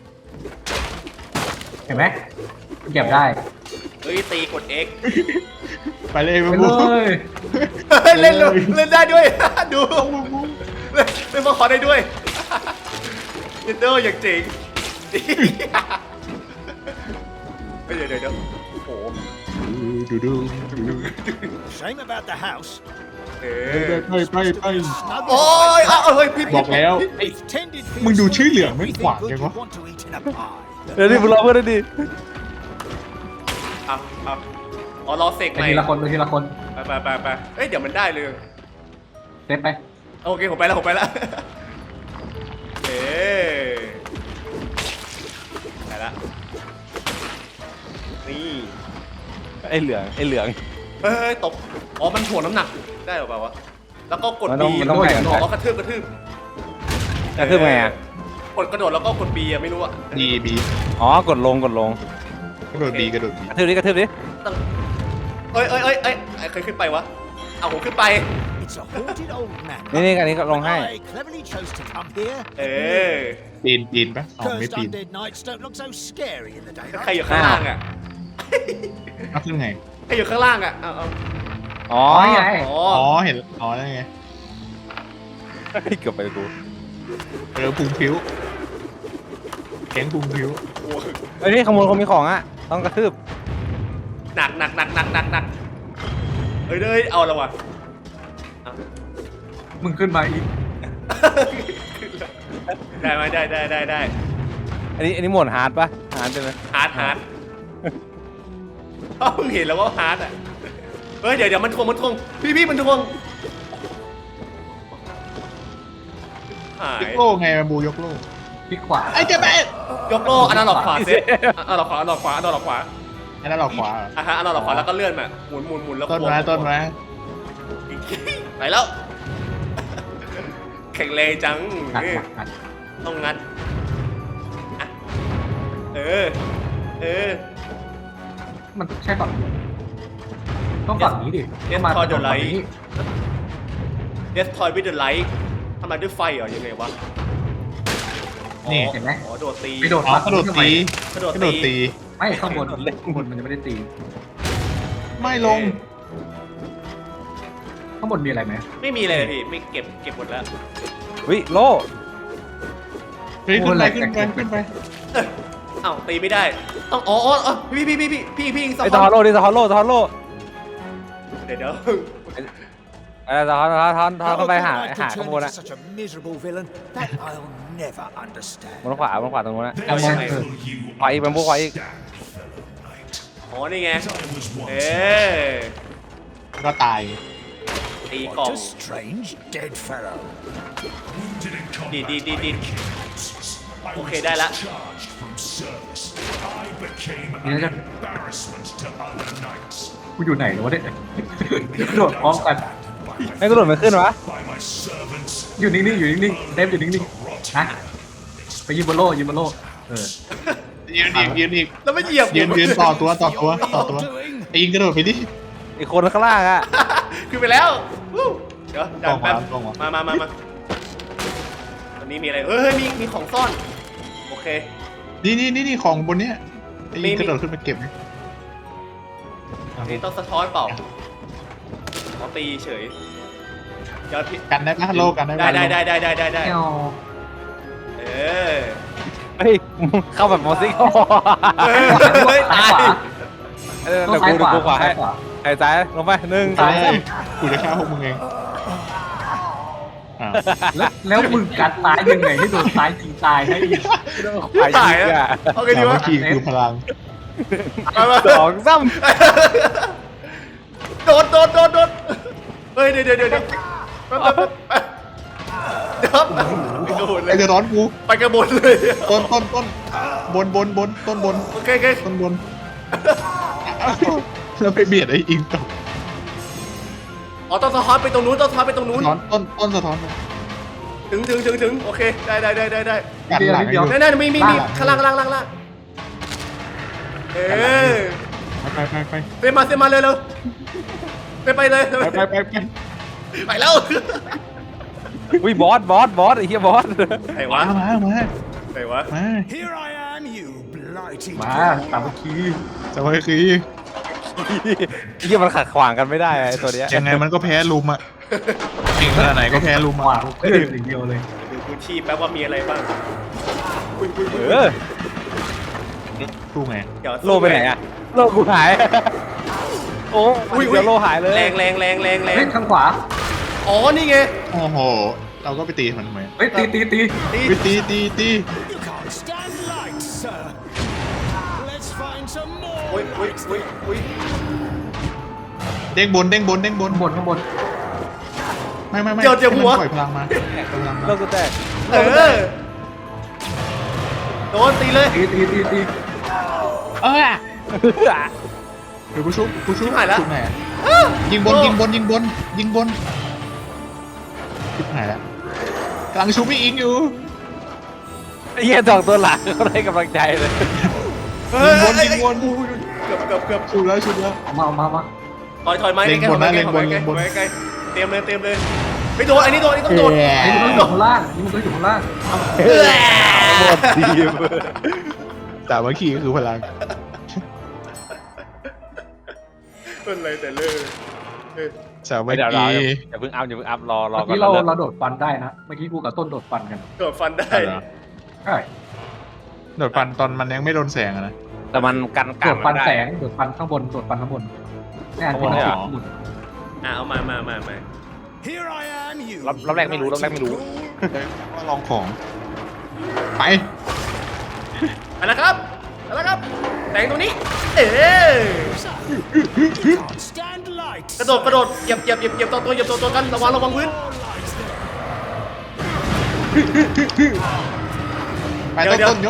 Speaker 3: เห็นไหมเก็บได้
Speaker 2: เฮ้ยตีกด X
Speaker 4: ไปเลย
Speaker 3: ไป
Speaker 4: มา
Speaker 3: เล
Speaker 4: บุก
Speaker 3: ย
Speaker 2: เฮ้ยเล่นเลยเล่นได้ด้วย ดูเล่นเล่นมาขอได้ด้วยเดนเดอร์อย่างเจ๋งเฮ้ยเดี๋ยวเดี๋ยวเดี๋ยวโอ้โห
Speaker 4: ดูดูดูดู
Speaker 5: Shame about the house.
Speaker 2: เอ
Speaker 4: ไป
Speaker 2: อ
Speaker 4: ไปไป
Speaker 2: โอ้ยอ้าวเฮ้ยพี่
Speaker 4: บอกแล้ว
Speaker 5: They've tended for
Speaker 4: มึงดู
Speaker 5: yourself
Speaker 4: ชื่อเหลืองไม่
Speaker 5: everything
Speaker 4: ขวาง
Speaker 5: good
Speaker 4: ยัง
Speaker 5: you
Speaker 4: วะ
Speaker 5: want to eat in a pie.
Speaker 1: เดี๋ยวนี่มึงรอเพื่อนดิ
Speaker 2: อ่ะอ่ะอ๋อรอเสก
Speaker 3: ไป
Speaker 2: ใหม่
Speaker 3: ทีละคนไปทีละคน
Speaker 2: ไปไปไปไปเอ้ยเดี๋ยวมันได้เลย
Speaker 3: เซฟไป
Speaker 2: โอเคผมไปแล้วผมไปแล้วเอ๊ไปแล้วนี่
Speaker 1: ไอ้เหลืองไอ้เหลือง
Speaker 2: เฮ้ยตกอ๋อมันถ่วงน้ำหนักได้หรือเปล่าวะแล้วก็กด
Speaker 1: มันต้อง
Speaker 2: B
Speaker 1: มันต้องแข่งกัน
Speaker 2: อ๋อกระทืบกระทืบ
Speaker 1: กระทืบไงอ่ะ
Speaker 2: กดกระโดดแล้วก็กด B อะไม่รู้อะ
Speaker 4: บีบี
Speaker 1: อ๋อกดลงกดลง
Speaker 4: กระโดดบีกระโดดบี
Speaker 1: กระทืบดิกระทืบดิ
Speaker 2: ต้องเอ้ยเอ้ยเอ้ยเอ้ยไอ้ใครขึ้นไปวะเอาผมขึ้นไป
Speaker 5: It's a haunted old man.
Speaker 1: นี่นี่อันนี้ก็ลงให้
Speaker 5: I cleverly chose to come here.
Speaker 2: เออ
Speaker 4: ปีนปีนปะอ๋อไม่
Speaker 5: Cursed
Speaker 4: ปีน
Speaker 5: undead knights don't look so scary in the
Speaker 2: ใคร
Speaker 5: daylight.
Speaker 2: อยู่ข้างล่างอะ
Speaker 4: เอาขึ้นไง
Speaker 2: ใครอยู่ข้างล่างอะเอาเอา
Speaker 1: อ๋อ
Speaker 3: อ๋อนี่ไง
Speaker 2: อ๋อ
Speaker 4: อ๋อเห็นอ๋อได้ไง
Speaker 1: เกือบไปกู
Speaker 4: เออพุงพิ้วแข็งพุงพิ้ว
Speaker 2: โอ้โห
Speaker 1: เฮ้ยนี่ขโมยคนมีของอ่ะ ต้องกระทืบ
Speaker 2: หนักหนักหนักหนักหนักหนักเฮ้ยเฮ้ยเอาแล้ววะเอา
Speaker 3: มึงขึ้นมาอีก
Speaker 2: ได้ไหมได้ได้ได้ได้
Speaker 1: อันนี้อันนี้โหมดฮาร์ดปะฮาร์ดใช่ไหม
Speaker 2: ฮาร์ดฮาร์ดเอ้าเห็นแล้วว่าฮาร์ดอ่ะเฮ้ยเดี๋ยวเดี๋ยวมันทวงมันทวงพี่พี่มันทวงหาย
Speaker 4: ยกโล่ไงมาบูยกโล่
Speaker 3: พลิกขวา
Speaker 4: ไอ้เจ๊แม่
Speaker 2: ยกโล่อันนั้นหลอกขวาเซฟอันนั้นหลอกขวาอันนั้นหลอกขวาอันนั้นหลอกขวา
Speaker 4: อันนั้นเราขวา
Speaker 2: อ่ะฮะอันนั้นหลอกขวาแล้วก็เลื่อนมาหมุนหมุนหมุนแล้ว
Speaker 4: ต้น
Speaker 2: ควง
Speaker 4: ไม้ต้นไม้
Speaker 2: ไปแล้วแข็งแรงจัง
Speaker 3: งัด
Speaker 2: นี่
Speaker 3: งัดงัด
Speaker 2: ต้องงัดอ่ะเออเออ
Speaker 3: มันใช่ฝั่งนี้ต้องฝั่งนี้ดิ
Speaker 2: เอส
Speaker 3: มา
Speaker 2: คอร์ด
Speaker 3: ฝั่ง
Speaker 2: ไลท์
Speaker 3: นี้
Speaker 2: Destroy with the light ทำไมด้วยไฟเหรอยังไงวะ
Speaker 4: นี่
Speaker 3: เห็นไหม
Speaker 2: อ๋อโดดตี
Speaker 3: ไปโดด
Speaker 4: อ๋อกระโดดตี
Speaker 2: กระโดด
Speaker 4: กระโดด
Speaker 2: ตี
Speaker 4: ตี
Speaker 3: ไม่ข้างบนข้างบนมันยังไม่ได้ตี
Speaker 4: ไม่ลง
Speaker 3: ข้างบนมีอะไรไหม
Speaker 2: ไม่มีเลยพี่ไม่เก็บเก็บหมดแล้ว
Speaker 1: วิโล่
Speaker 4: เฮ้ยขึ้นไปขึ้นไปขึ้นไป
Speaker 2: เอ้ยเอ้าตีไม่ได้ ต้องอ๋ออ๋ออ๋อพี่พี่พี่พี่พี่พี่อีกสอง
Speaker 1: ไอ้
Speaker 2: ค
Speaker 1: ตอฮอน โล่ดิตอฮอนโล่ตอฮอนโล่
Speaker 2: เดี๋ยวเดี๋ยว
Speaker 1: เออทอนทอนทอนทอน
Speaker 5: How
Speaker 1: เข้าไป
Speaker 5: can
Speaker 1: หา
Speaker 5: I
Speaker 1: หา
Speaker 5: turn
Speaker 1: ข้างบน
Speaker 5: into
Speaker 1: อะ
Speaker 5: such a miserable villain that I'll never understand.
Speaker 1: บนขวาบนขวาตรงนู้นนะ
Speaker 3: เอามองเออ
Speaker 1: ขวาอีกเป็นพวกขวาอีก
Speaker 2: อ๋อนี่ไงเออ
Speaker 4: ก็ตาย
Speaker 2: ตีกล่อง
Speaker 5: What a strange dead fellow.
Speaker 2: ดีดีดีดีโอเคได้ละ
Speaker 3: นี่แล้วกันกูอยู่ไหนวะเนี่ยกระโดดพร้อมกัน
Speaker 1: ไม่กระโดดไม่ขึ้นวะ
Speaker 3: อยู่นิ่งๆอยู่นิ่งๆเดฟอยู่นิ่งๆฮะไปยืนบนโล่ยืนบนโล่เออ
Speaker 4: ยืนอีกยืนอีก
Speaker 2: แล้วไม่เหยียบ
Speaker 4: ยืนยืนต่อตัวต่อตัวต่อตัว
Speaker 5: You're doing
Speaker 4: ไอ้ยิงกระโดดไปดิ
Speaker 1: อีกคนข้างล่างอะ
Speaker 2: ขึ้นไปแล้ววู้เดี๋ยวดันแป๊บ
Speaker 4: กล่องวะ
Speaker 2: มามามามาตอนนี้มีอะไรเอ้ยมีมีของซ่อนโอเค
Speaker 4: นี่นี่นี่นี่ของบนเนี้ยไอ้ยิง
Speaker 2: มี
Speaker 4: กระโดดขึ้นไปเก็บ
Speaker 2: นี่ต้องสะท้อนเปล่าอ๋อตีเฉยเดี๋ยวพี่
Speaker 4: กันได้ปะโลกันได้
Speaker 2: ได้
Speaker 4: ปะ
Speaker 2: ได้ได้ได้ได้ได้ได้
Speaker 3: แก้ว
Speaker 2: เออ
Speaker 1: เฮ้ยเข้าแบบมอสซิ่ง
Speaker 2: เฮ้ยเฮ้ยตาย
Speaker 1: เออ
Speaker 3: ต้อ
Speaker 1: เดี๋ยว
Speaker 3: งซ้าย
Speaker 1: กู
Speaker 3: ขวา
Speaker 1: เดี๋ยวกูขวาให้
Speaker 3: ซ้ายขวา
Speaker 1: ไอ้ซ้ายลงไปหนึ่งสอ
Speaker 4: ตาง ย
Speaker 1: สาม
Speaker 4: กูจะฆ่าพวกมึงเองอ้าว
Speaker 3: แล้วแล้วมึงกัดตายยังไงให้โดนตายจริงตายให้อีก
Speaker 1: ขวา
Speaker 2: ตาย
Speaker 1: อีก
Speaker 2: แล้ว
Speaker 1: อะ
Speaker 2: เอาไงดี
Speaker 4: สามั
Speaker 2: วะ
Speaker 4: คคีคือพลัง
Speaker 2: มามา
Speaker 1: สองซ้
Speaker 2: โดดโดดโดดโดดเฮ้ยเดี๋ยวเดี๋ยวเดี๋ยวเดี๋ยวแป๊บแป๊บแป๊บเดี๋ยวไปกระบนเล
Speaker 4: ไอ้
Speaker 2: ย
Speaker 4: จะร้อนกู
Speaker 2: ไปกระบนเลย
Speaker 4: ต้นต้นต้นบนบนบนต้นบน
Speaker 2: โอเคโอเค
Speaker 4: ต้นบนแล้วไปเบียดไอ้อิงต่อ
Speaker 2: อ๋อต้องสะท้อนไปตรงนู้นต้องสะท้อนไปตรงนู้น
Speaker 4: สะท้อนต้นต้นสะท้อน
Speaker 2: ถึงถึงถึงถึงโอเคได้ได้ได้ได้ได้
Speaker 4: กันหลังให้อยู่
Speaker 2: นั่นนั่นมีมีมีข้างล่างล่างล่างล่างเออ
Speaker 4: ไปไปไป
Speaker 2: เซมาเซมาเลยเร็วไปไปเลย
Speaker 4: ไปไปไปไป
Speaker 2: ไปแล้ว
Speaker 1: ำอุ้ยบอสบอสบอสไอ้เหี้ยบอส
Speaker 2: ไหนวะ
Speaker 4: มามามา
Speaker 2: ไหนวะ
Speaker 4: มา
Speaker 5: Here I am, you blighty
Speaker 3: มา
Speaker 5: dog.
Speaker 3: สามัคคี
Speaker 4: สวัสดี
Speaker 1: ไอ้เหี้ยมันขัดขวางกันไม่ได้ไอ้ตัวเนี้ย
Speaker 4: ยังไงมันก็แพ้ลุมอ่ะเก่งขนาดไหนก็แพ้ลุม
Speaker 3: ขวา
Speaker 4: อ่ะ
Speaker 3: งเพื่อนอย่างเดียวเลย
Speaker 2: ดูพื้นที่แป๊บว่ามีอะไรบ้างอุ้ยอุ้ย
Speaker 1: เออ
Speaker 4: สู้ไง
Speaker 2: เดี๋ยว
Speaker 1: โลไปไหนอะโลกูหายโอ้ยเดี๋ยวโลหายเลย
Speaker 2: แรงแรงแรงแรงแร
Speaker 3: เฮ้
Speaker 2: ง
Speaker 3: ยข้างขวา
Speaker 2: อ๋อนี่ไง
Speaker 4: โอ้โห เราก็ไปตีมันทำไม
Speaker 3: เฮ้ยตีตีตี
Speaker 2: ตี
Speaker 4: ไปตีตีตี
Speaker 5: You can't stand light, sir. Let's find some more
Speaker 2: อุ้ยอุ้ย
Speaker 5: lights
Speaker 2: อุ้ย
Speaker 5: then.
Speaker 2: อุ้ย
Speaker 4: เด้งบนเด้งบนเด้งบน
Speaker 3: ข้างบนข้างบน
Speaker 4: ไม่ไม่ไม่
Speaker 2: เดี๋ยวเดี๋ยว
Speaker 4: ให้
Speaker 2: หัว
Speaker 4: มันปล่อยพลังมาปล่อยพลังมา
Speaker 1: โลกูแตก
Speaker 2: เออโดนตีเลย
Speaker 3: ตีตีตีตี
Speaker 4: เออเดี๋ยวกูชุบกูชุบ
Speaker 2: ชิบหายแล้ว
Speaker 4: ชุบไหนอะยิงบนยิงบนยิงบนยิงบนชิบหายแล้วกำลังชุบไม่อิงอยู่
Speaker 1: ไอ้เหี้ยสองตัวหลังเขาได้กำลังใจเลย
Speaker 2: เฮ้ย
Speaker 4: ยิงบน
Speaker 2: เอ้ย
Speaker 4: ยิงบน
Speaker 2: อุ้ยเกือบเกือบเกือบ
Speaker 4: ชุบแล้วชุบแล้ว
Speaker 3: เอามาเอามาเอามา
Speaker 2: ถอยถอยไม้
Speaker 4: เล็ง
Speaker 2: ใกล้
Speaker 4: บ
Speaker 2: ๆถ
Speaker 4: น
Speaker 2: อย
Speaker 4: นะ
Speaker 2: ไม้
Speaker 4: เล็ง
Speaker 2: ถ
Speaker 4: บ
Speaker 2: อย
Speaker 4: น
Speaker 2: ไม้
Speaker 4: เล็งบน
Speaker 2: ถอยไกลเตรียมเลยเตรียมเลยไม่โดนอันนี้โดนอันนี้ต้องโดน
Speaker 4: แย่
Speaker 3: ไอ้มันต้องอยู่ข้างล่างนี่มันต้องอยู่ข้างล่าง
Speaker 2: เออ
Speaker 1: หมดทีม
Speaker 4: แต่เมื่อกี้ก็คือพลัง
Speaker 2: เป็นไรแต่เลิกเออ
Speaker 4: สามั
Speaker 1: ไม่
Speaker 4: ค
Speaker 1: เดี๋ยวรอ
Speaker 4: คี
Speaker 1: อย่าเพิ่งอัพอย่าเพิ่งอัพรอรอ
Speaker 3: เมื่อ
Speaker 1: ก่อน
Speaker 3: กี้เรา
Speaker 1: แล้ว
Speaker 3: เราโดดฟันได้นะ เมื่อกี้กูกับต้นโดดฟันกัน
Speaker 2: โดดฟันได้
Speaker 3: ใช่
Speaker 4: โดดฟันตอนมันยังไม่โดนแสงอะนะ
Speaker 1: แต่มันกัน
Speaker 3: โด
Speaker 1: กัน
Speaker 3: ดฟัน
Speaker 1: ไม่ได้
Speaker 3: แสงโดดฟันข้างบนโดดฟันข้างบนนี่อันที่มัน
Speaker 1: ข้างบนเลยเหรอ
Speaker 3: หมุน
Speaker 2: อ่ะเอามามามามา
Speaker 5: Here I am, you
Speaker 1: รอบรอบแรกไม่รู้รอบแรกไม่รู้
Speaker 4: ว่าลองของ ไป
Speaker 2: ไปแล้วครับไปแล้วครับแต่งตรงนี้ เออ
Speaker 5: You can't stand light.
Speaker 2: กระโดดกระโดดเหยียบเหยียบเหยียบเหยียบตัวตัวเหยียบตัวตัวกันระวังระวังพื้น
Speaker 5: More lights then.
Speaker 4: ไป
Speaker 2: เดี๋ยว
Speaker 4: ต้น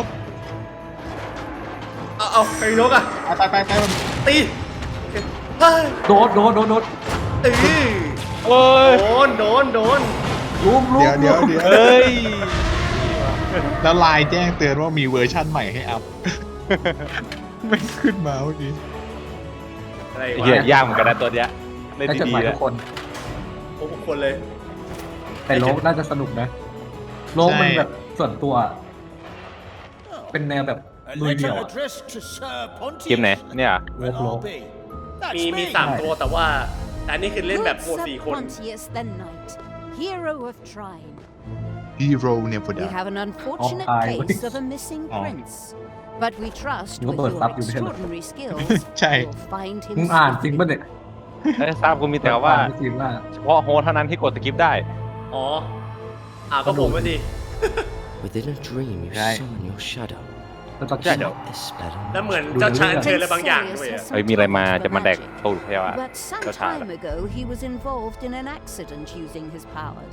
Speaker 2: เดี๋ยว
Speaker 4: ต้นยก
Speaker 2: เอาเอาใครยกอ่ะ
Speaker 4: ไปไปไปไปมัน
Speaker 2: ตีโอเคเฮ้ย
Speaker 3: โดดโดดโดดโดด
Speaker 2: เออ
Speaker 1: โอ้ย
Speaker 2: โดนโดนโดน
Speaker 3: ลุมลุม
Speaker 4: เดี๋ยวเดี๋ยวเดี๋ยว
Speaker 1: เฮ้ย
Speaker 4: แล้วไลน์แจ้งเตือนว่ามีเวอร์ชั่นใหม่ให้อัพ ไม่ขึ้นมาเมื่อกี้
Speaker 2: อะไร
Speaker 1: ไอ้
Speaker 2: วะ
Speaker 1: เหี้ยยากเหมือนกันนะตัวเนี้ยเล่น
Speaker 3: ได้จด
Speaker 1: ดี
Speaker 3: หมาย
Speaker 1: ๆ
Speaker 3: ทุ
Speaker 1: แล้ว
Speaker 3: กคน
Speaker 2: โอ้โหคนเลย
Speaker 3: แต่โลกน่าจะสนุกนะ โลกมันแบบส่วนตัว เป็นแนวแบบ
Speaker 5: A
Speaker 3: ลุยเดี่ยว
Speaker 5: letter
Speaker 3: อะ
Speaker 5: addressed to Sir Pontius.
Speaker 1: เกมไหนเนี่ย
Speaker 5: Well,
Speaker 3: Roll.
Speaker 5: I'll be. That's
Speaker 2: มีมี
Speaker 5: me.
Speaker 2: สามตัวแต่ว่าแต่อันนี้คือเล่นแบบ
Speaker 7: Good
Speaker 2: โหมด
Speaker 7: Sir
Speaker 2: สี่คน
Speaker 7: Pontius the Knight, hero of Trine.
Speaker 4: ฮีโร่เนี่ยพอ
Speaker 7: We
Speaker 4: ดา
Speaker 7: have an unfortunate
Speaker 3: Oh, hi.
Speaker 7: case of a missing
Speaker 4: Oh.
Speaker 7: prince. But we trust
Speaker 3: You
Speaker 7: with
Speaker 3: got
Speaker 7: your
Speaker 3: stuff you did.
Speaker 7: extraordinary skills,
Speaker 4: Chai.
Speaker 7: you'll find him
Speaker 3: มึงอ่านจริง
Speaker 7: soon.
Speaker 3: ป่ะเนี่ย
Speaker 1: เอ้ยทราบกูมีแต่ว่า
Speaker 3: จริงว่า
Speaker 1: เฉพาะโฮสเท่านั้นที่กดสกิปได้
Speaker 2: อ๋ออ่าก็ผมมาดิ
Speaker 8: Within a dream, you
Speaker 1: Right.
Speaker 8: summon your shadow.
Speaker 3: แล้วตอน
Speaker 1: Shadow.
Speaker 8: This spell on
Speaker 2: แล้วเหมือนเจ้าชายเชิญอะไรบางอย่างด้วย
Speaker 7: Sirius
Speaker 2: อะ
Speaker 7: has
Speaker 1: เฮ้ยมีอะไรมา
Speaker 7: some
Speaker 1: จะมาแดก
Speaker 7: magic.
Speaker 1: ตูดใช่ปะ
Speaker 7: But some
Speaker 1: Go Tyler.
Speaker 7: time ago, he was involved in an accident using his powers.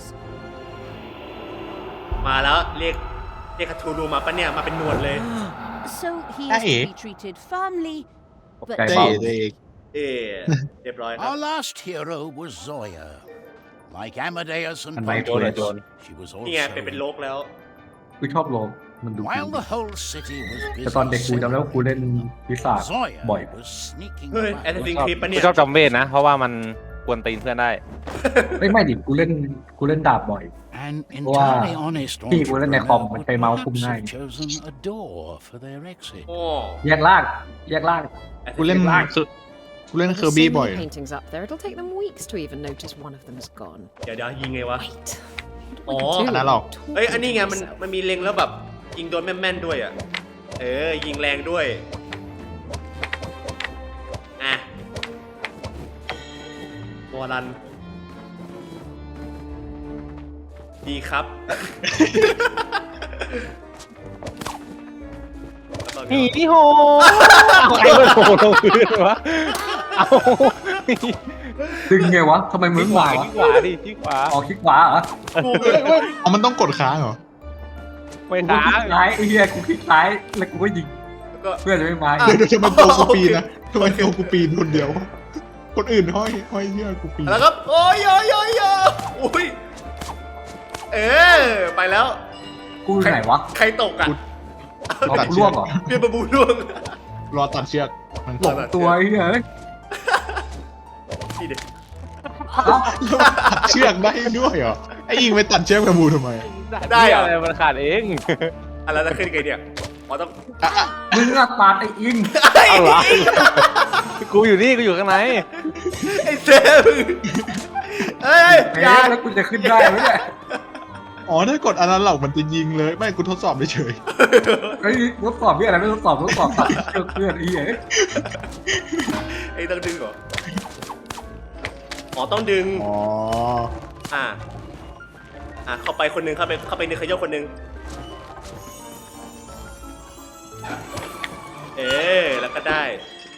Speaker 2: มาแล้วเรียกเรียกคาทูรูมาปะเนี่ยมาเป็นหนวดเลย
Speaker 7: So he is
Speaker 4: Hey.
Speaker 7: to be treated firmly, but
Speaker 3: ไก่
Speaker 4: เต้
Speaker 3: เบา
Speaker 4: เต้
Speaker 2: เอ๊ะเรียบร้อยครับ
Speaker 5: Our last hero was Zoya. Like Amadeus and
Speaker 3: And my
Speaker 5: Pontius,
Speaker 1: Joan.
Speaker 5: she was
Speaker 2: นี่ไงเป็นเป็นโล
Speaker 5: also.
Speaker 2: กแล้ว
Speaker 3: กูชอบโลกมันดูดี
Speaker 5: While the whole city was
Speaker 3: แต่ตอนเด็ก
Speaker 5: busy
Speaker 3: กูจำได้ว่ากูเล่นวิสา
Speaker 5: Zoya
Speaker 3: บ่อย
Speaker 5: was sneaking
Speaker 2: เฮ้ย
Speaker 5: about.
Speaker 2: แอสซินคลิปปะ
Speaker 1: กู
Speaker 2: เนี่ย
Speaker 1: ชอบจอมเวทนะ เพราะว่ามันกวนตีนเพื่อนได้
Speaker 3: ไม่ไม่ดิกูเล่นกูเล่นดาบบ่อย
Speaker 5: An
Speaker 3: Wow.
Speaker 5: entirely honest
Speaker 3: พี่กูเล่นในคอม
Speaker 5: entrepreneur
Speaker 3: มัน
Speaker 5: would
Speaker 3: ใช้เมาส์คุม
Speaker 5: perhaps
Speaker 3: ง่าย
Speaker 5: have chosen a door for their exit.
Speaker 2: โอ้
Speaker 3: แยกล่างแยกล่าง
Speaker 4: กูเล่นสุดกูเล่น
Speaker 9: There's
Speaker 4: เคอร์
Speaker 9: so
Speaker 4: บี้
Speaker 9: many
Speaker 4: บ่อย
Speaker 9: paintings up there. It'll take them weeks to even notice one of them's gone.
Speaker 2: เดี๋ยวเดี๋ยวยิงไงวะ
Speaker 9: Wait.
Speaker 2: Oh,
Speaker 9: What do we
Speaker 4: อันนั้น
Speaker 9: do?
Speaker 4: หรอก
Speaker 9: Talk
Speaker 2: เอ้ยอันนี้ไง
Speaker 9: to
Speaker 2: มัน
Speaker 9: yourself.
Speaker 2: มันมีเล็งแล้วแบบยิงโดนแม่นๆด้วยอ่ะ เออยิงแรงด้วยอ่ะวอลัน ดีครับ
Speaker 1: หีที่โหเอาใครมันโหลงพื้นวะ เอา
Speaker 3: ดึงไงวะทำไมมึง
Speaker 1: ที่ขวาว
Speaker 3: ะ
Speaker 1: ที่ขวาดิที่ขวา
Speaker 3: ออกคลิกขวาเหรอ
Speaker 2: กู
Speaker 4: เอามันต้องกดค้างเหรอ
Speaker 1: ไม่
Speaker 3: กู
Speaker 1: ค้า
Speaker 3: คลิกซ้ายไอ้เหี้ยกูคลิกซ้ายแล้วกูก็ยิง
Speaker 2: ก็
Speaker 3: เพื่อนจะไม่มา
Speaker 4: เดี๋ยวเดี๋ยวทำไมตัวกูปีนนะทำไมตัวกูปีนคนเดียว คนอื่นห้อยห้อยเหี้ยกูปีน
Speaker 2: แล้วครับ โอ้ยโอ้ยโอ้ยโอ้ยอุ้ย เออ ไปแล้ว
Speaker 3: กูอยู่ไหนวะ
Speaker 2: ใครตกอ่ะ
Speaker 3: เอากูล่วงเหรอ
Speaker 2: เบียร์บะบูล่วง
Speaker 4: รอตัดเชือกมัน
Speaker 3: หลงตัวไอ้เหี้ยเอ้ย
Speaker 2: นี่เด็ก
Speaker 4: ตัดเชือกได้ด้วยเหรอไอ้ยิงไปตัดเชือกแบมูทำไม
Speaker 2: ได้เหรอ
Speaker 1: อะไรมันขาดเอง
Speaker 2: อะไรจะขึ้นไงเนี่ยอ๋อต้อง
Speaker 3: มึงอะปาดไอ้อิง
Speaker 1: เอาเหรอกูอยู่นี่กูอยู่ข้างใน
Speaker 2: ไอ้เซฟเอ้ย
Speaker 3: เอ๊
Speaker 2: อย่า
Speaker 3: ะแล้วกูจะขึ้นได้ไหมเนี่ย
Speaker 4: อ๋อถ้ากดอันนั้นเหล่ามันจะยิงเลยไม่กูทดสอบเฉย
Speaker 3: เฮ้ยทดสอบพี่อะไรไม่ทดสอบทดสอบตัดเชือกเพื่อนไอ้เหี้ย
Speaker 2: ไอ้ต้องดึงเหรออ๋อต้องดึง
Speaker 4: อ๋อ
Speaker 2: อ่า อ่าเข้าไปคนหนึงเข้าไปเข้าไปในขยกคนหนึงเอ๊แล้วก็ได้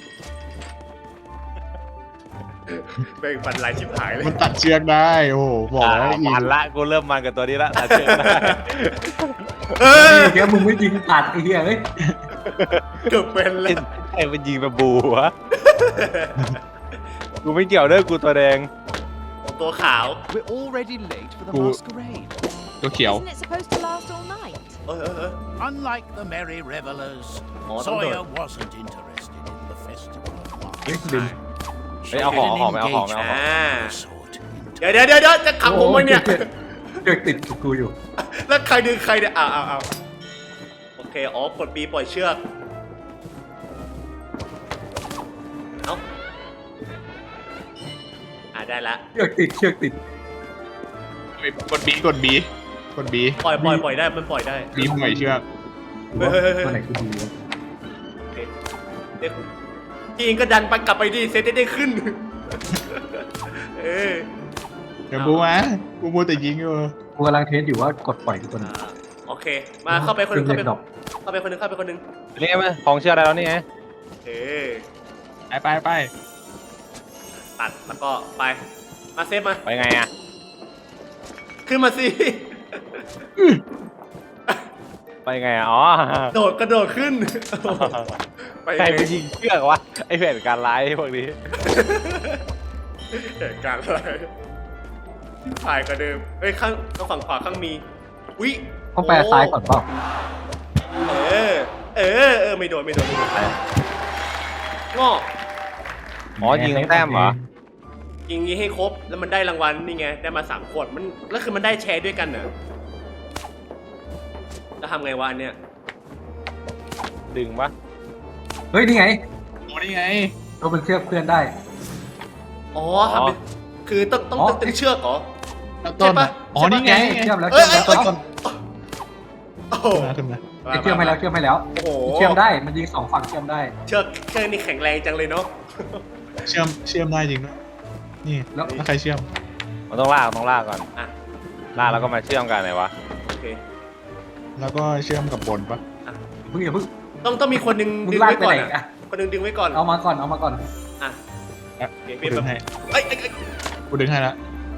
Speaker 2: แบ่งปันลายชิบหายเลย
Speaker 4: มันตัดเชือกได้โอ้โหบอก
Speaker 1: อ่า
Speaker 4: แล้วยิง
Speaker 1: มันละกูเริ่มมันกับตัวนี้ละตัดเชือกได้
Speaker 2: เออ
Speaker 3: นี่แค่มึงไม่ยิงตัดไอ้เหี้ยเฮ้ย
Speaker 2: เกือบเป็นเลย
Speaker 1: ไอ้มันยิงแบบบูวะกูไม่เกี่ยวเด้อกูตัวแดง
Speaker 2: ตัวขาว
Speaker 5: We're already late for the
Speaker 4: Cool.
Speaker 5: masquerade.
Speaker 4: ตัวเขียว
Speaker 9: Isn't it supposed to last all night?
Speaker 2: เออเออเออ
Speaker 5: Unlike the merry revelers,
Speaker 2: Oh,
Speaker 5: Zoya
Speaker 2: don't
Speaker 5: wasn't interested in the festival of
Speaker 3: เฮ้ย
Speaker 5: March.
Speaker 3: ดึง
Speaker 1: เฮ้ยเอาของเอาของไม่เอาของไม่เอาของ
Speaker 2: อ่า
Speaker 5: Sort
Speaker 2: เดี๋ยวเดี๋ยวเดี๋ยวเดี๋ยวจะขังผมไว้เนี่ย
Speaker 3: เชือกติดกูอยู่
Speaker 2: แล้วใครดึงใครเนี่ยอ้าวอ้าวอ้าวโอเค อ๋อ กดปีปล่อยเชือก เอ้า อ่าได้ละ
Speaker 3: เชือกติดเชือกติด
Speaker 4: กดบีกดบีกดบี
Speaker 2: ปล่อยปล่อยปล่อยได้ มันปล่อยได้
Speaker 4: บีปล่อยเชือก
Speaker 3: หรือว่าตัวไหนกูดีวะ
Speaker 2: โอเคเด็กพี่เองก็ดันไปกลับไปดิเซตได้ได้ขึ้น เออ
Speaker 4: เดี๋ยวกูมากูมัวแต่ยิงอยู่
Speaker 3: กูกำลังเทสอยู่ว่ากดปล่อยทุกคน
Speaker 2: อ่า โอเค มาเข้าไปคนหนึง
Speaker 3: เครื่
Speaker 2: เข้า
Speaker 3: อง
Speaker 2: ไป
Speaker 3: เล่นดอก
Speaker 2: เข้าไปคนหนึงเข้าไปคนหนึง
Speaker 1: นี่ไงมั้ยของเชื่อได้แล้วนี่ไง
Speaker 2: เออ
Speaker 4: ไปไปไป
Speaker 2: ตัด แล้วก็ไป มาเซฟมา
Speaker 1: ไปไงอ่ะ
Speaker 2: ขึ้นมาสิ
Speaker 1: ไปไงอ่ะอ๋อ
Speaker 2: โดดกระโดดขึ้น ไป
Speaker 1: ใคร
Speaker 2: ไง
Speaker 1: ไปยิงเชือกวะไอแผนการร้ายพวกนี้
Speaker 2: เหตุการณ์อะไรถ่ายกว่าเดิม เฮ้ยข้างข้างฝั่งขวาข้างมีวิ
Speaker 3: ต้องแปลซ้ายก่อนเปล่า
Speaker 2: เออ เออ เออ ไม่โดน ไม่โดน ไม่โดนงอก
Speaker 1: อ๋อยิงทั้งแต้มเหรอ
Speaker 2: ยิงนี้ให้ครบ แล้วมันได้รางวัลนี่ไง ได้มาสามขวด มัน แล้วคือมันได้แชร์ด้วยกันเหรอแล้วทำไงวะอันเนี้ย
Speaker 1: ดึงปะ
Speaker 3: เฮ้ยนี่ไง
Speaker 4: โอ้นี่ไง
Speaker 3: เราเป็นเชือกเพื่อนได้
Speaker 2: อ๋อทำเป็น คือต้องต้อง
Speaker 3: อ๋อ
Speaker 2: ตึงเชือกเหรอ
Speaker 4: แล้วต้น
Speaker 2: ใช่ปะ
Speaker 4: อ๋อนี่ไง
Speaker 3: เชื่อมแล้ว
Speaker 2: เอ้
Speaker 3: เชื่
Speaker 2: ย
Speaker 3: อม
Speaker 2: เอ้
Speaker 3: แล้
Speaker 2: ยว เอ้ย
Speaker 3: ต้น
Speaker 2: โอ้โห
Speaker 4: ขึ้นมาขึ้นมา
Speaker 3: เชื่อมให้แล้วเชื่อมให้แล้ว
Speaker 2: โอ้โห
Speaker 3: เชื่อมได้มันยิงสองฝั่งเชื่อมได้
Speaker 2: เชือกเชือกนี่แข็งแรงจังเลยเนาะ
Speaker 4: เชื่อมเชื่อมได้จริงด้วยนี่
Speaker 3: แล้ว
Speaker 4: แล้วใครเชื่อม
Speaker 1: มันต้องลากต้องลากก่อน
Speaker 2: อ่ะ
Speaker 1: ลากแล้วก็มาเชื่อมกันไหนวะ
Speaker 2: โอเค
Speaker 4: แล้วก็เชื่อมกับบนปะ
Speaker 3: เพิ่งอย่าเพิ่ง
Speaker 2: ต้องต้องมีคนหนึง
Speaker 3: มึง
Speaker 2: ดึง
Speaker 3: ลาก
Speaker 2: ไว้
Speaker 3: ไป
Speaker 2: ก่อน
Speaker 3: ไหน
Speaker 2: อะ
Speaker 3: อ่ะ
Speaker 2: คนหนึงดึงไว้ก่อน
Speaker 3: เอามาก่อนเอามาก่อน
Speaker 2: อ่ะ
Speaker 4: อ่ะ
Speaker 2: โอเค
Speaker 4: กู
Speaker 2: เปลี่ยน
Speaker 4: ดึ
Speaker 2: แบบ
Speaker 4: งให้
Speaker 2: เอ้ยเอ้ยเอ้ย
Speaker 4: กูดึงให้แล้ว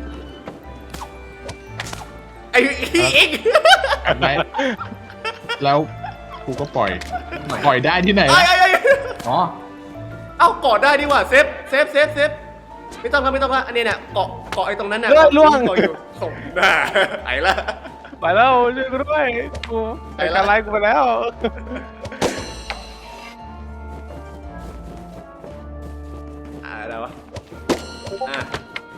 Speaker 2: ไอ้เอ็ก
Speaker 4: กัดไว้แล้วกูก็ปล่อย ปล่อยได้ที่ไหน
Speaker 2: ไอ้ไอ้ไอ้
Speaker 3: อ๋อ
Speaker 2: เอ้ากอดได้ดีกว่าเซฟเซฟเซฟเซฟไม่ต้องครับไม่ต้องครับอันนี้เนี่ยเกาะเกาะไอ้ตรงนั้นน่ะ
Speaker 1: เลือดล่วง
Speaker 2: เกาะอยู่ส่งหน้าไอ้ละ
Speaker 1: ไปแล้วช่วยกูด้วยกู
Speaker 2: ไป
Speaker 1: ไอ้
Speaker 2: แล้ว
Speaker 1: การไล่กูไปแล้ว
Speaker 2: อ่าอะไรวะอ่ะ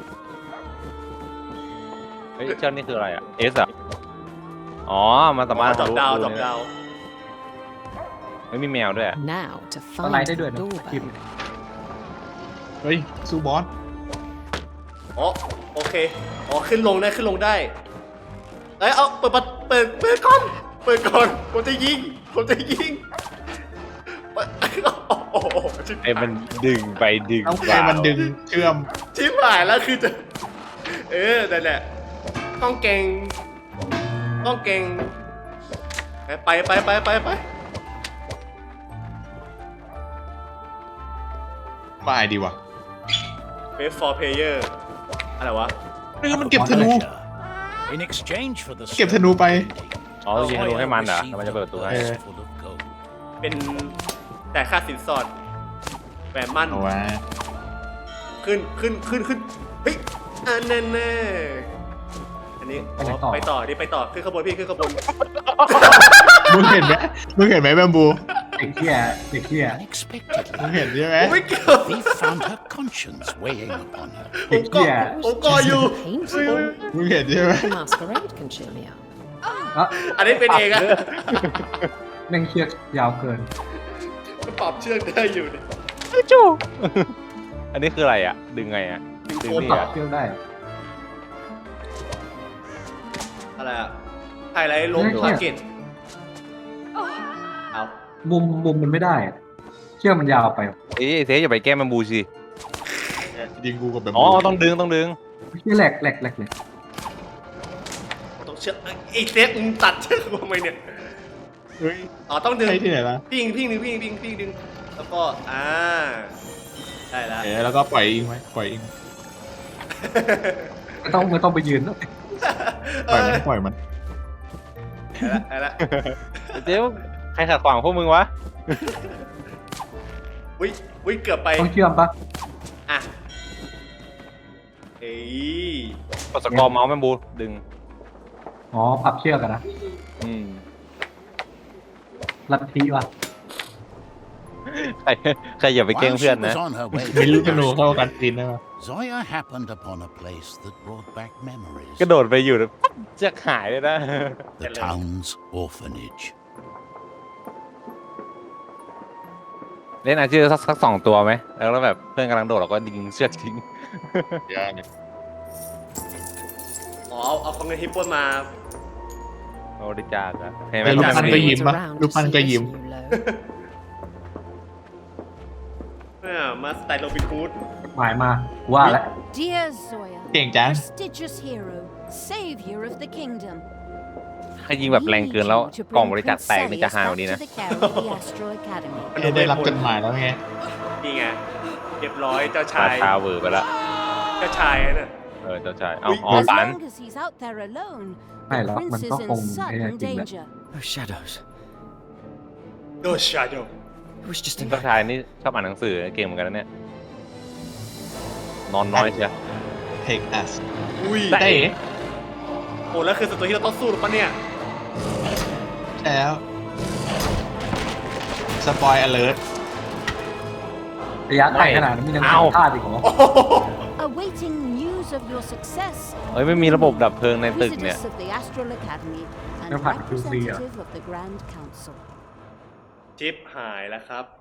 Speaker 1: เฮ้ยเชื่อมนี่คืออะไรอ่ะ S อ่ะอ๋อมันสามารถ
Speaker 2: จอบดาว
Speaker 1: ทะลุ
Speaker 2: จอบดาว
Speaker 1: ไม่มีแมวด้วยอะ
Speaker 9: Now to
Speaker 3: อะไร
Speaker 9: find
Speaker 3: ได้ด้วย
Speaker 9: the
Speaker 3: นะคลิป
Speaker 9: doorbell.
Speaker 4: เฮ้ย สู้บอส
Speaker 2: อ๋อโอเคอ๋อขึ้นลงได้ขึ้นลงได้เอ้ยเอาเปิดประเปิดเปิดก่อนเปิดก่อนผมจะยิงผมจะยิงเปิดโอ้โหชิบ
Speaker 1: ไอ้มันดึงไปดึง
Speaker 4: ต้อง
Speaker 1: มา
Speaker 4: ให้มันดึงเชื่อม
Speaker 2: ชิบหายแล้วคือจะเออนั่นแหละต้องเก่งต้องเก่งไปไปไปไปไป
Speaker 4: มาไอดีวะ
Speaker 2: Best for player อะไรวะ
Speaker 4: เฮ้ยมันเก็บธนู
Speaker 5: In exchange for the
Speaker 4: เก็บธนูไป
Speaker 1: อ๋อยิงธนูให้มันเหรอแล้วมันจะเปิดประตูให้
Speaker 4: เออ
Speaker 5: full of gold.
Speaker 2: เป็นแต่ค่าสินสอดแหวนมั่น
Speaker 4: เอาวะ
Speaker 2: ขึ้นขึ้นขึ้นขึ้นเฮ้ยอันนั้นแน่อันนี้อ๋อไปต่อดิไปต่อขึ้นขบวนพี่ขึ้นขบวน
Speaker 4: มึงเห็นไหมมึงเห็นไหมแบมบู
Speaker 3: เด็กเที่ยเด็กเที่ย
Speaker 5: Unexpectedly,
Speaker 4: มึงเห็นใช่ไหม
Speaker 2: ผมไม่เกี่ยว
Speaker 5: thief found her conscience weighing upon her.
Speaker 2: ผมเกาะผมเกาะอยู่
Speaker 9: Painful.
Speaker 4: มึงเห็นใช่ไหม
Speaker 9: The masquerade can cheer me up.
Speaker 3: แล้ว
Speaker 2: อันนี้เป็นเองอะ
Speaker 3: แม่งเชือกยาวเกิน
Speaker 2: มันปรับเชือกได้อยู่เนี่ย
Speaker 1: จู้อันนี้คืออะไรอ่ะ ดึงไงอ่ะ ดึงนี่
Speaker 3: ปรับ
Speaker 1: อ่ะ
Speaker 3: เชือกได้
Speaker 2: อะไรอะไฮไลท์ลง
Speaker 3: เฮ้ย
Speaker 2: ทาร์เก็ตเอา
Speaker 3: มุมมุมมันไม่ได้อะเชือกมันยาวไป
Speaker 1: เอ้ยเซฟอย่าไปแก้มันบูสิ
Speaker 4: ยิงกูกับแบม
Speaker 1: อ๋อ
Speaker 4: บู
Speaker 1: ต้องดึงต้องดึง
Speaker 3: เชือกแหลกแหลกแหลกเลย
Speaker 2: ต้องเชือกไอ้เซฟมึงตัดเชือกกูทำไมเนี่ย
Speaker 4: เฮ้ย
Speaker 2: อ๋อต้องดึง
Speaker 4: ใช่ที่ไหนล่ะ
Speaker 2: พิงพิงดึงพิงพิงพิงดึงแล้วก็อ่าได้แล้ว
Speaker 4: เอ๋แล้วก็ปล่อยอิงไว้ปล่อยอิง
Speaker 3: ไม่ต้องไม่ต้องไปยืนแล้ว
Speaker 4: ปล่อยมันปล่อยมัน
Speaker 2: ได้แล้ว
Speaker 1: เจ๊ใครขัดขวางพวกมึงวะ
Speaker 2: วิวิเกือบไป
Speaker 3: ต้องเชื่อมปะ
Speaker 2: อ่ะเอ้ย
Speaker 1: กดสกอร์เมาส์แมนบูดึง
Speaker 3: อ๋อปรับเชือกอะนะ
Speaker 1: อืม
Speaker 3: ลัทธิวะ
Speaker 1: ใครใครอย่าไปเก้ง
Speaker 5: While
Speaker 1: เพื่อน
Speaker 5: she
Speaker 1: นะ
Speaker 5: was on her way
Speaker 4: มีลูกธ
Speaker 5: to
Speaker 4: นู
Speaker 5: the
Speaker 4: เข้ากันซีนได้ปะ
Speaker 5: Zoya happened upon a place that brought back memories.
Speaker 1: กระโดดไปอยู่แล้วปั๊บจะหายเลยนะ
Speaker 5: The town's orphanage.
Speaker 1: เล่นอาชีพสักสักสองตัวไหม แล้วแบบเพื่อนกำลังโดดเราก็ยิงเชือกทิ้ง
Speaker 4: เดี๋ยวนี่
Speaker 2: อ๋อเอาเอาของเงินฮิปโปนมา
Speaker 1: บริจาคอะเห็นไหม
Speaker 4: แล้วลูก
Speaker 1: ลูก
Speaker 4: พัน
Speaker 1: พัน
Speaker 4: ก็
Speaker 1: ธุ์
Speaker 4: ยิ้มปะ
Speaker 9: Around
Speaker 4: ลูกพัน
Speaker 9: to
Speaker 4: ก็
Speaker 9: see
Speaker 4: ยิ้ม
Speaker 9: us, you low.
Speaker 2: อ่ามาสไตล์โรบินฮูด
Speaker 3: หมายมาว่าแล้ว
Speaker 7: Dear Zoya,
Speaker 4: เก่งจัง
Speaker 7: prestigious hero, savior of the kingdom.
Speaker 1: ใครยิงแบบแรงเกินแล้ว
Speaker 7: Need you to
Speaker 1: กล่อง
Speaker 7: bring
Speaker 1: บริจาค
Speaker 7: Prince
Speaker 1: แตกนี่จะ
Speaker 7: Celius
Speaker 1: หาย
Speaker 7: back
Speaker 1: วันนี้
Speaker 7: to
Speaker 1: นะ
Speaker 7: the care of the Astral Academy.
Speaker 4: ได้รับจดหมายแล้วไง
Speaker 2: นี่ไงเรียบร้อยเจ้า
Speaker 1: รา
Speaker 2: ชาย
Speaker 1: ชาเวอร์ไปละ
Speaker 2: เจ้าชายน่ะ
Speaker 1: เออเจ้าชาย เอาอ๋อ
Speaker 7: As
Speaker 1: ปัน
Speaker 7: long as he's out there alone,
Speaker 3: Hey,
Speaker 7: the
Speaker 3: look,
Speaker 7: prince
Speaker 3: man,
Speaker 7: is
Speaker 3: toch
Speaker 7: in
Speaker 3: gewoon
Speaker 7: sudden
Speaker 3: heel erg ding,
Speaker 7: danger.
Speaker 8: Oh, shadows.
Speaker 2: โดชาโด
Speaker 8: It was just
Speaker 1: เจ้า
Speaker 8: a
Speaker 1: ชายนี่ชอบอ่านหนังสือเก่งเหมือนกันนะเนี่ย นอนน้อยเชียว
Speaker 4: Take us
Speaker 2: อุ้ย
Speaker 4: ได้
Speaker 2: โอ้แล้วคือศัตรูที่เราต้องสู้หรือปะเนี่ย
Speaker 4: ใช่แล้วสปอยอเลิร์ต
Speaker 3: ระยะไกลขนาดนั้นมันยัง
Speaker 1: เอ้า
Speaker 3: พลาดอีกเหรอ
Speaker 7: Awaiting news of your success,
Speaker 1: เอ้ยไม่มีระบบดับเพลิงในตึกเนี่ย
Speaker 7: visitors of the Astral Academy and
Speaker 3: Nó phạt cư sĩ à?
Speaker 7: representative of the Grand Council.
Speaker 2: ชิปหายแล้วครับ